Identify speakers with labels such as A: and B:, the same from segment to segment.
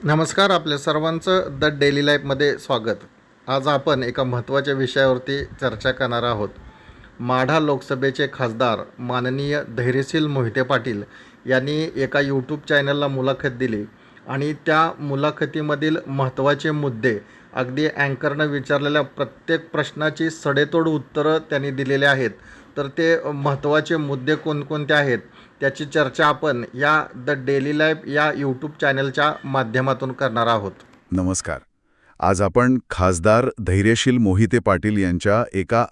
A: नमस्कार, आपल्या सर्वांचं द डेली लाईफमध्ये स्वागत. आज आपण एका महत्त्वाच्या विषयावरती चर्चा करणार आहोत. माढा लोकसभेचे खासदार माननीय धैर्यशील मोहिते पाटील यांनी एका यूट्यूब चॅनलला मुलाखत दिली आणि त्या मुलाखतीमधील महत्त्वाचे मुद्दे, अगदी अँकरनं विचारलेल्या प्रत्येक प्रश्नाची सडेतोड उत्तरं त्यांनी दिलेले आहेत. तर ते महत्त्वाचे मुद्दे कोणकोणते आहेत त्याची चर्चा आपण या द डेली लाईफ या यूट्यूब चॅनलच्या माध्यमातून करणार आहोत.
B: नमस्कार. आज आपण खासदार धैर्यशील मोहिते पाटील यांच्या एका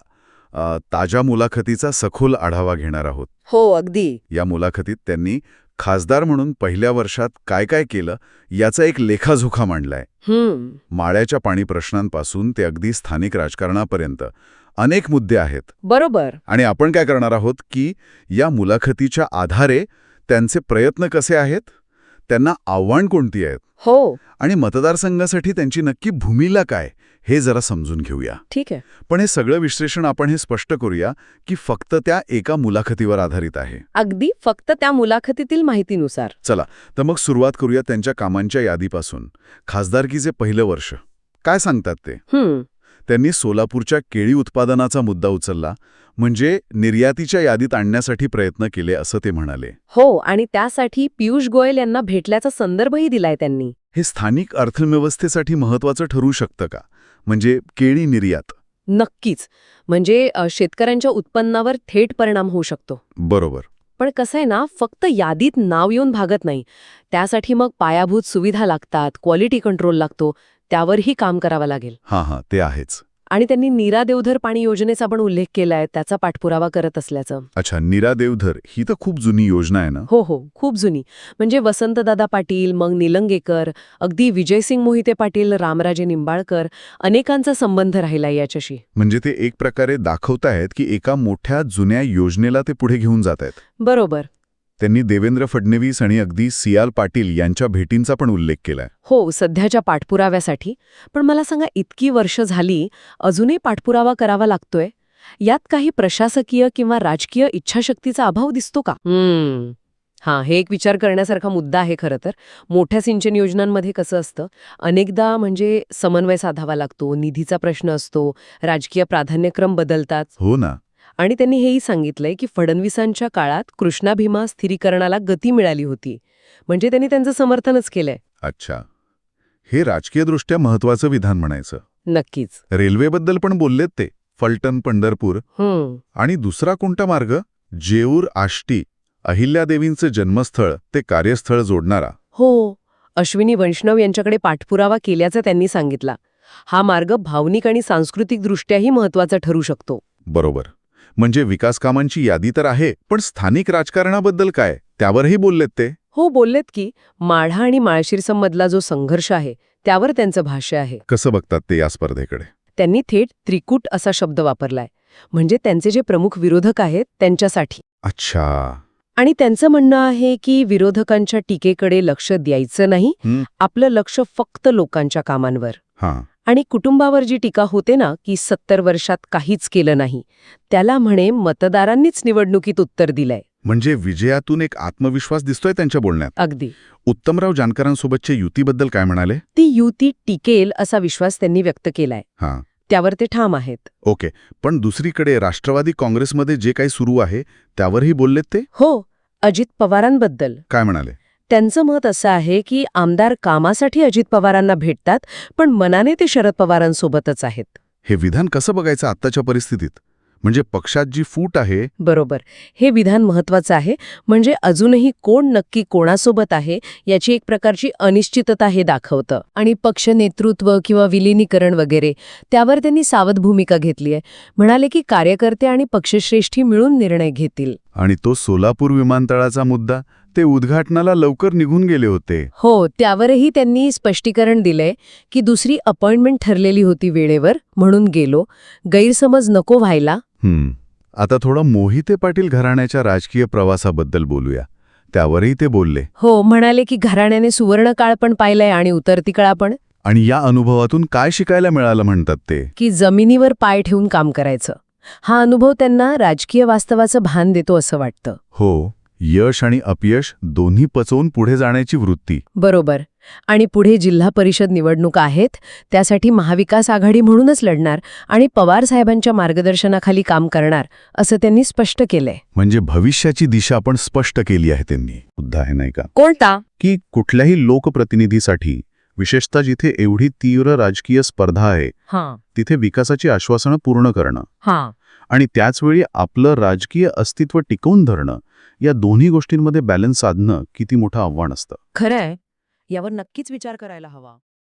B: ताज्या मुलाखतीचा सखोल आढावा घेणार आहोत.
C: हो, अगदी.
B: या मुलाखतीत त्यांनी खासदार म्हणून पहिल्या वर्षात काय काय केलं याचा एक लेखाजोखा मांडलाय. माळ्याच्या पाणी प्रश्नांपासून ते अगदी स्थानिक राजकारणापर्यंत अनेक मुद्दे आहेत.
C: बरोबर.
B: आणि आपण काय करणार आहोत की या मुलाखतीच्या आधारे त्यांचे प्रयत्न कसे आहेत, त्यांना आव्हान कोणती आहेत,
C: हो,
B: आणि मतदारसंघासाठी त्यांची नक्की भूमिका काय हे जरा समजून घेऊया.
C: ठीक आहे.
B: पण हे सगळं विश्लेषण आपण हे स्पष्ट करूया की फक्त त्या एका मुलाखतीवर आधारित आहे.
C: अगदी फक्त त्या मुलाखतीतील माहितीनुसार.
B: चला तर मग सुरुवात करूया त्यांच्या कामांच्या यादीपासून. खासदारकीचे पहिलं वर्ष काय सांगतात ते? त्यांनी सोलापूरच्या केळी उत्पादनाचा मुद्दा उचलला, म्हणजे निर्यातीच्या यादीत आणण्यासाठी प्रयत्न केले असं ते म्हणाले.
C: हो, आणि त्यासाठी पियुष गोयल यांना भेटल्याचा संदर्भही दिलाय त्यांनी.
B: हे स्थानिक अर्थव्यवस्थेसाठी महत्त्वाचं ठरू शकतं का? म्हणजे केळी निर्यात?
C: नक्कीच. म्हणजे शेतकऱ्यांच्या उत्पन्नावर थेट परिणाम होऊ शकतो.
B: बरोबर.
C: पण कसं आहे ना, फक्त यादीत नाव येऊन भागत नाही. त्यासाठी मग पायाभूत सुविधा लागतात, क्वालिटी कंट्रोल लागतो, त्यावरही काम करावं लागेल.
B: हां, ते आहेच.
C: आणि त्यांनी नीरा देवधर पाणी योजनेचा पण उल्लेख केलाय, त्याचा पाठपुरावा करत असल्याचं.
B: अच्छा, नीरा देवधर ही तर खूप जुनी योजना आहे ना?
C: हो, खूप जुनी. म्हणजे वसंतदादा पाटील, मग निलंगेकर, अगदी विजयसिंग मोहिते पाटील, रामराजे निंबाळकर, अनेकांचा संबंध राहिला याच्याशी.
B: म्हणजे ते एक प्रकारे दाखवतायत की एका मोठ्या जुन्या योजनेला ते पुढे घेऊन जात आहेत.
C: बरोबर.
B: त्यांनी देवेंद्र फडणवीस आणि अगदी सियाल पाटील यांच्या भेटींचा पण उल्लेख केलाय.
C: हो, सध्याच्या पाठपुराव्यासाठी. पण मला सांगा, इतकी वर्ष झाली अजूनही पाठपुरावा करावा लागतोय. यात काही प्रशासकीय किंवा राजकीय इच्छाशक्तीचा अभाव दिसतो का? हे एक विचार करण्यासारखा मुद्दा आहे खरं तर. मोठ्या सिंचन योजनांमध्ये कसं असतं, अनेकदा म्हणजे समन्वय साधावा लागतो, निधीचा प्रश्न असतो, राजकीय प्राधान्यक्रम बदलतात.
B: हो ना.
C: आणि त्यांनी हेही सांगितलंय की फडणवीसांच्या काळात कृष्णा भीमा स्थिरीकरणाला गती मिळाली होती. म्हणजे त्यांनी त्यांचं समर्थनच केलंय.
B: अच्छा, हे राजकीयदृष्ट्या महत्वाचं विधान म्हणायचं.
C: नक्कीच.
B: रेल्वेबद्दल पण बोललेत ते. फलटण पंढरपूर. आणि दुसरा कोणता मार्ग? जेऊर आष्टी, अहिल्यादेवींचं जन्मस्थळ ते कार्यस्थळ जोडणारा.
C: हो, अश्विनी वैष्णव यांच्याकडे पाठपुरावा केल्याचं त्यांनी सांगितला. हा मार्ग भावनिक आणि सांस्कृतिकदृष्ट्याही महत्वाचा ठरू शकतो.
B: बरोबर. म्हणजे विकासकामांची यादी तर आहे, पण स्थानिक राजकारणाबद्दल काय, त्यावरही बोललेत ते?
C: हो, बोललेत की माढा आणि माळशिरसमधला जो संघर्ष आहे त्यावर त्यांचं भाष्य आहे.
B: कसं बघतात ते या स्पर्धेकडे?
C: त्यांनी थेट त्रिकूट असा शब्द वापरलाय. म्हणजे त्यांचे जे प्रमुख विरोधक आहेत त्यांच्यासाठी.
B: अच्छा.
C: आणि त्यांचं म्हणणं आहे की विरोधकांच्या टीकेकडे लक्ष द्यायचं नाही, आपलं लक्ष फक्त लोकांच्या कामांवर. आणि कुटुंबावर जी टीका होते ना की 70 वर्षात काहीच केलं नाही, त्याला म्हणे मतदारांनीच निवडणुकीत उत्तर दिलंय.
B: म्हणजे विजयातून एक आत्मविश्वास दिसतोय त्यांच्या बोलण्यात.
C: अगदी.
B: उत्तमराव जानकरांसोबतच्या युतीबद्दल काय म्हणाले?
C: ती युती टिकेल असा विश्वास त्यांनी व्यक्त केलाय. त्यावर ते ठाम आहेत.
B: ओके. पण दुसरीकडे राष्ट्रवादी काँग्रेसमध्ये जे काही सुरू आहे त्यावरही बोललेत ते?
C: हो, अजित पवारांबद्दल
B: काय म्हणाले?
C: त्यांचं मत असं आहे की आमदार कामासाठी अजित पवारांना भेटतात, पण मनाने ते शरद पवारांसोबतच आहेत.
B: हे विधान कसं बघायचं आत्ताच्या परिस्थितीत? म्हणजे पक्षात जी फूट आहे.
C: बरोबर. हे विधान महत्वाचं आहे. म्हणजे अजूनही कोण नक्की कोणासोबत आहे याची एक प्रकारची अनिश्चितता हे दाखवतं. आणि पक्ष नेतृत्व किंवा विलिनीकरण वगैरे त्यावर त्यांनी सावध भूमिका घेतली आहे. म्हणाले की कार्यकर्ते आणि पक्षश्रेष्ठी मिळून निर्णय घेतील.
B: आणि तो सोलापूर विमानतळाचा मुद्दा, ते उद्घाटनाला लवकर निघून गेले होते.
C: हो, त्यावरही त्यांनी स्पष्टीकरण दिलंय की दुसरी अपॉइंटमेंट ठरलेली होती वेळेवर, म्हणून गेलो, गैरसमज नको व्हायला.
B: आता थोडं मोहिते पाटील घराण्याच्या राजकीय प्रवासाबद्दल बोलूया. त्यावरही ते बोलले.
C: हो, म्हणाले की घराण्याने सुवर्ण काळ पण पाहिलाय आणि उतरती काळ पण.
B: आणि या अनुभवातून काय शिकायला मिळालं म्हणतात ते?
C: की जमिनीवर पाय ठेवून काम करायचं. हा अनुभव त्यांना राजकीय वास्तवाचं भान देतो असं वाटतं.
B: हो, यश आणि अपयश दोन्ही पचवून पुढे जाण्याची वृत्ती.
C: बरोबर. आणि पुढे जिल्हा परिषद निवडणुका आहेत, त्यासाठी महाविकास आघाडी म्हणूनच लढणार आणि पवार साहेबांच्या मार्गदर्शनाखाली काम करणार, असं त्यांनी स्पष्ट केलंय.
B: म्हणजे भविष्याची दिशा पण स्पष्ट केली आहे त्यांनी. मुद्दा आहे नाही का
C: कोणता?
B: की कुठल्याही लोकप्रतिनिधीसाठी, विशेषतः जिथे एवढी तीव्र राजकीय स्पर्धा आहे, तिथे विकासाची आश्वासनं पूर्ण करणं आणि त्याचवेळी आपलं राजकीय अस्तित्व टिकवून धरणं, या दोन्ही गोष्टींमध्ये बॅलन्स साधणं किती मोठं आव्हान असतं.
C: खरंय, यावर नक्कीच विचार करायला हवा.